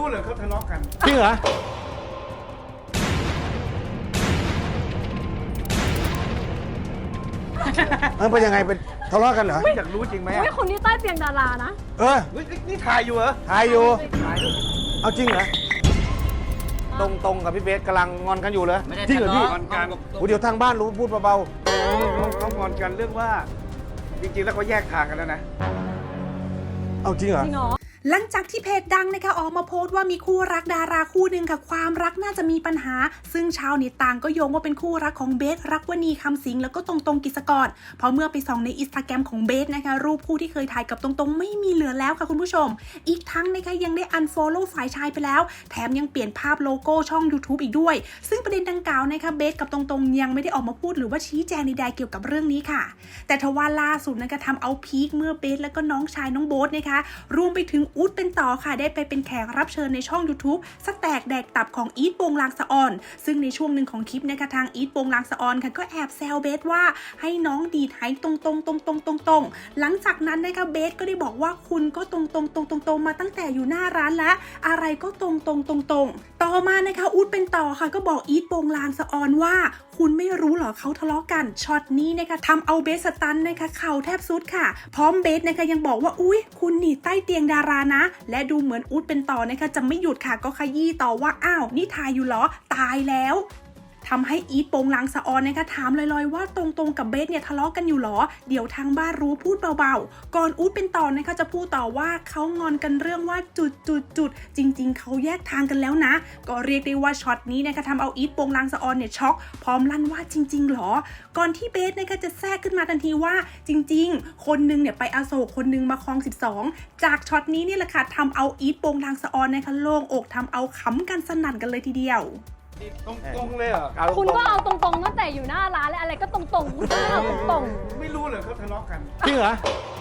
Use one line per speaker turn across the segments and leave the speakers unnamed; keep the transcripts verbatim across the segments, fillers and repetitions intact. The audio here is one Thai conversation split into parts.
เหรอเขาทะเลาะกัน
จริงเหรอเออเป็นยังไงเป็นทะเลาะกันเหรอ
อยากรู้จริงไหม
เฮ้ยคนนี้ใต้เตียงดารานะ
เออ
นี่ถ่ายอยู่เหรอ
ถ่ายอยู่เอาจริงเหรอตรงตรงกับพี่เบสกำลังงอนกันอยู่เลยจริงเหรอพี่
งอนกัน
เดี๋ยวทางบ้านรู้พูดเบา
ๆเขางอนกันเรื่องว่าจริงๆแล้วเขาแยกทางกันแล้วนะ
เอาจริงเหรอ
หลังจากที่เพจดังนะคะออกมาโพสต์ว่ามีคู่รักดาราคู่หนึ่งค่ะความรักน่าจะมีปัญหาซึ่งชาวเน็ตต่างก็โยงว่าเป็นคู่รักของเบสรักวณีคำสิงแล้วก็ตรงตรงกิจกรเพราะเมื่อไปส่องในอินสตาแกรมของเบสนะคะรูปคู่ที่เคยถ่ายกับตรงตรงไม่มีเหลือแล้วค่ะคุณผู้ชมอีกทั้งนะคะยังได้อันฟอลโล่ฝ่ายชายไปแล้วแถมยังเปลี่ยนภาพโลโก้ช่อง ยูทูบ อีกด้วยซึ่งประเด็นดังกล่าวนะคะเบสกับตรงตรงยังไม่ได้ออกมาพูดหรือว่าชี้แจงใดๆเกี่ยวกับเรื่องนี้ค่ะแต่ทว่าล่าสุดนะคะทำเอาพีคเมื่อเบสและก็น้องชายน้องโบ๊ทนะคะรวมไปถึงอู๊ดเป็นต่อค่ะได้ไปเป็นแขกรับเชิญในช่อง ยูทูบ สแตกแดกตับของอีทโปงลางสะออนซึ่งในช่วงหนึ่งของคลิปนะคะทางอีทโปงลางสะออนค่ะก็แอบแซวเบสว่าให้น้องดีดหายตรงตรงตรงตรงตรงตรงหลังจากนั้นนะคะเบสก็ได้บอกว่าคุณก็ตรงตรงตรงตรงตรงมาตั้งแต่อยู่หน้าร้านแล้วอะไรก็ตรงตรงตรงตรงต่อมานะคะอู๊ดเป็นต่อค่ะก็บอกอีทโปงลางสะออนว่าคุณไม่รู้หรอเขาทะเลาะกันช็อตนี้นะคะทำเอาเบสสตันนะคะเข่าแทบสุดค่ะพร้อมเบสนะคะยังบอกว่าอุ๊ยคุณหนีใต้เตียงดารานะและดูเหมือนอู๊ดเป็นต่อนะคะจะไม่หยุดค่ะก็ขยี้ต่อว่าอ้าวนี่ถ่ายอยู่เหรอตายแล้วทำให้อีทโปงลางสะออนนะคะถามลอยๆว่าตรงๆกับเบสเนี่ยทะเลาะกันอยู่หรอเดี๋ยวทางบ้านรู้พูดเบาๆก่อนอู๊ดเป็นต่อนะคะจะพูดต่อว่าเขางอนกันเรื่องว่าจุดจุดจุดจริงๆเขาแยกทางกันแล้วนะก็เรียกได้ว่าช็อตนี้นะคะทำเอาอีทโปงลางสะออนเนี่ยช็อกพร้อมลั่นว่าจริงๆหรอก่อนที่เบสนะคะจะแทรกขึ้นมาทันทีว่าจริงๆคนนึงเนี่ยไปอโศกคนนึงมาคลองสิบสองจากช็อตนี้นี่แหละค่ะทำเอาอีทโปงลางสะออนนะคะโล่งอกทำเอาขำกันสนั่นกันเลยทีเดียว
ตรงๆเลยเหรอ
คุณก็เอาตรงๆตั้งแต่อยู่หน้าร้านเลยอะไรก็ตรงๆคุณก็เอาตรง
ๆไม่รู้เหรอเขาทะเลาะกัน
จริงเหรอ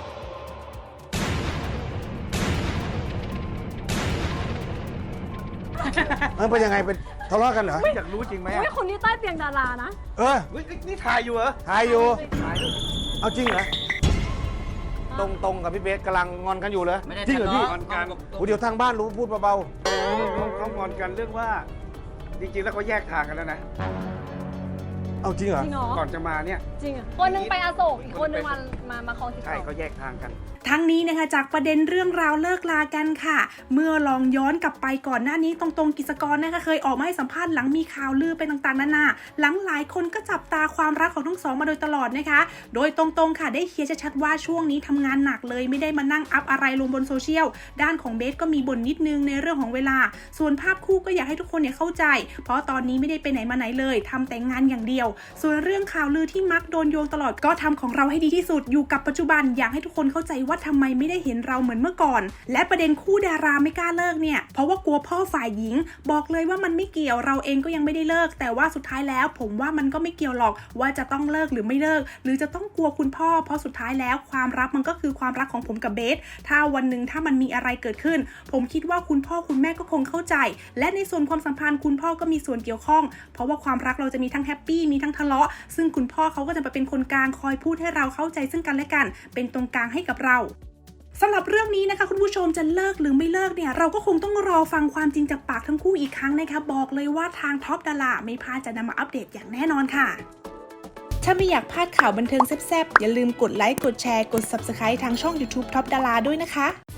เออเป็นยังไงเป็นทะเลาะกันเหรอ
อยากรู้จริงไหม
เฮ้ยคนนี้ใต้เตียงดารานะ
เออ
นี่ถ่ายอยู่เหรอ
ถ่ายอยู่เอาจริงเหรอตรงตรงกับพี่เบสกำลังงอนกันอยู่เลยจริงเหรอพี่
งอนกัน
เดี๋ยวทางบ้านรู้พูดเบา
ๆเขางอนกันเรื่องว่าจริงๆแล้วเขาแยกทางกันแล้วนะ
เอาจริงเหรอ
ก่อนจะมาเนี่ย
จริงคนนึงไปอโศกอีกคนนึงมามามาคลองสิบสอง
ใช่เขาแยกทางกัน
ทั้งนี้นะคะจากประเด็นเรื่องราวเลิกลากันค่ะเมื่อลองย้อนกลับไปก่อนหน้านี้ตรงๆกิจกรนะคะเคยออกมาให้สัมภาษณ์หลังมีข่าวลือไปต่างๆนานาหลังหลายคนก็จับตาความรักของทั้งสองมาโดยตลอดนะคะโดยตรงๆค่ะได้เคลียร์ชัดๆว่าช่วงนี้ทำงานหนักเลยไม่ได้มานั่งอัพอะไรลงบนโซเชียลด้านของเบสก็มีบ่นนิดนึงในเรื่องของเวลาส่วนภาพคู่ก็อยากให้ทุกคนเนี่ยเข้าใจเพราะตอนนี้ไม่ได้ไปไหนมาไหนเลยทำแต่งานอย่างเดียวส่วนเรื่องข่าวลือที่มักโดนโยงตลอดก็ทำของเราให้ดีที่สุดอยู่กับปัจจุบันอยากให้ทุกคนเข้าใจว่าทำไมไม่ได้เห็นเราเหมือนเมื่อก่อนและประเด็นคู่ดาราไม่กล้าเลิกเนี่ยเพราะว่ากลัวพ่อฝ่ายหญิงบอกเลยว่ามันไม่เกี่ยวเราเองก็ยังไม่ได้เลิกแต่ว่าสุดท้ายแล้วผมว่ามันก็ไม่เกี่ยวหรอกว่าจะต้องเลิกหรือไม่เลิกหรือจะต้องกลัวคุณพ่อเพราะสุดท้ายแล้วความรักมันก็คือความรักของผมกับเบสถ้าวันหนึ่งถ้ามันมีอะไรเกิดขึ้นผมคิดว่าคุณพ่อคุณแม่ก็คงเข้าใจและในส่วนความสัมพันธ์คุณพ่อก็มีส่วนเกี่ยวข้องเพราะว่าความรักเราจะมีทั้งแฮปปี้มีทั้งทะเลาะซึ่งคุณพ่อเขาก็จะมาเป็นคนกลางคอยพูดให้เราเข้าใจซึ่งกันและกันเป็นตรงกลางให้กับเราสำหรับเรื่องนี้นะคะคุณผู้ชมจะเลิกหรือไม่เลิกเนี่ยเราก็คงต้องรอฟังความจริงจากปากทั้งคู่อีกครั้งนะคะบอกเลยว่าทางท็อปดาราไม่พลาดจะนำมาอัปเดตอย่างแน่นอนค่ะถ้าไม่อยากพลาดข่าวบันเทิงแซ่บๆอย่าลืมกดไลค์กดแชร์กด ซับสไครบ์ ทางช่อง ยูทูบ ท็อปดาราด้วยนะคะ